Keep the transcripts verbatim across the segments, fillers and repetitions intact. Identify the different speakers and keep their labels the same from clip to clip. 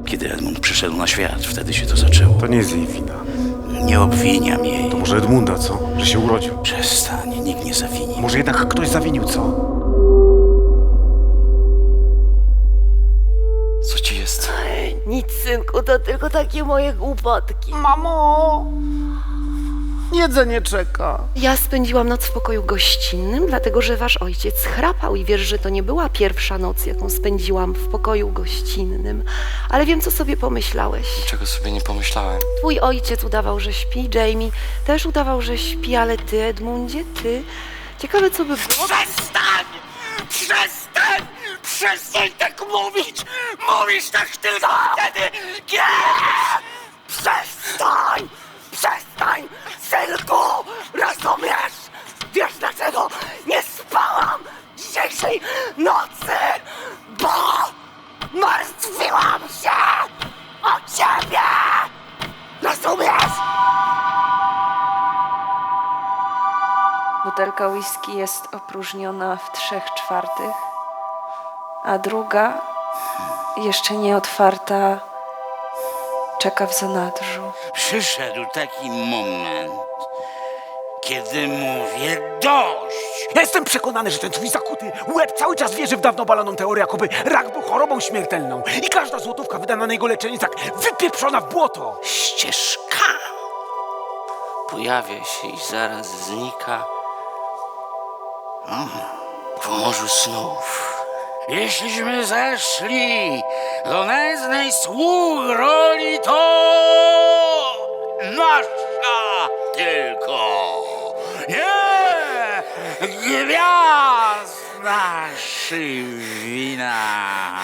Speaker 1: Kiedy Edmund przyszedł na świat, wtedy się to zaczęło.
Speaker 2: To nie jest jej wina.
Speaker 1: Nie obwiniam jej.
Speaker 2: To może Edmunda, co? Że się urodził.
Speaker 1: Przestań, nikt nie zawini.
Speaker 2: Może jednak ktoś zawinił, co?
Speaker 1: Co ci jest?
Speaker 3: Nic, synku, to tylko takie moje głupotki.
Speaker 2: Mamo! Jedzenie czeka.
Speaker 3: Ja spędziłam noc w pokoju gościnnym, dlatego że wasz ojciec chrapał i wiesz, że to nie była pierwsza noc, jaką spędziłam w pokoju gościnnym. Ale wiem, co sobie pomyślałeś.
Speaker 4: Czego sobie nie pomyślałem.
Speaker 3: Twój ojciec udawał, że śpi, Jamie też udawał, że śpi, ale ty, Edmundzie, ty... Ciekawe, co by było...
Speaker 1: Przestań! Przestań! Przestań tak mówić! Mówisz tak tylko wtedy, kiedy... Przestań! Przestań! Synku! Rozumiesz? Wiesz dlaczego nie spałam dzisiejszej nocy? Bo martwiłam się o ciebie! Rozumiesz?
Speaker 3: Butelka whisky jest opróżniona w trzech czwartych, a druga, jeszcze nie otwarta, czeka w zanadrzu.
Speaker 1: Przyszedł taki moment, kiedy mówię dość.
Speaker 2: Ja jestem przekonany, że ten twój zakuty łeb cały czas wierzy w dawno baloną teorię, jakoby rak był chorobą śmiertelną i każda złotówka wydana na jego leczenie jest jak wypieprzona w błoto.
Speaker 1: Ścieżka.
Speaker 4: Pojawia się i zaraz znika. W morzu snów.
Speaker 1: Jeśliśmy zeszli do nędznej sług roli, to nasza tylko. Nie! Gwiazd naszych wina.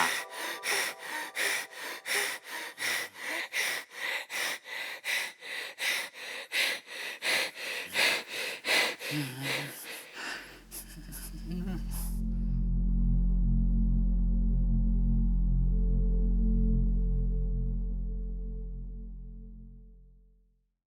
Speaker 1: Mm-hmm.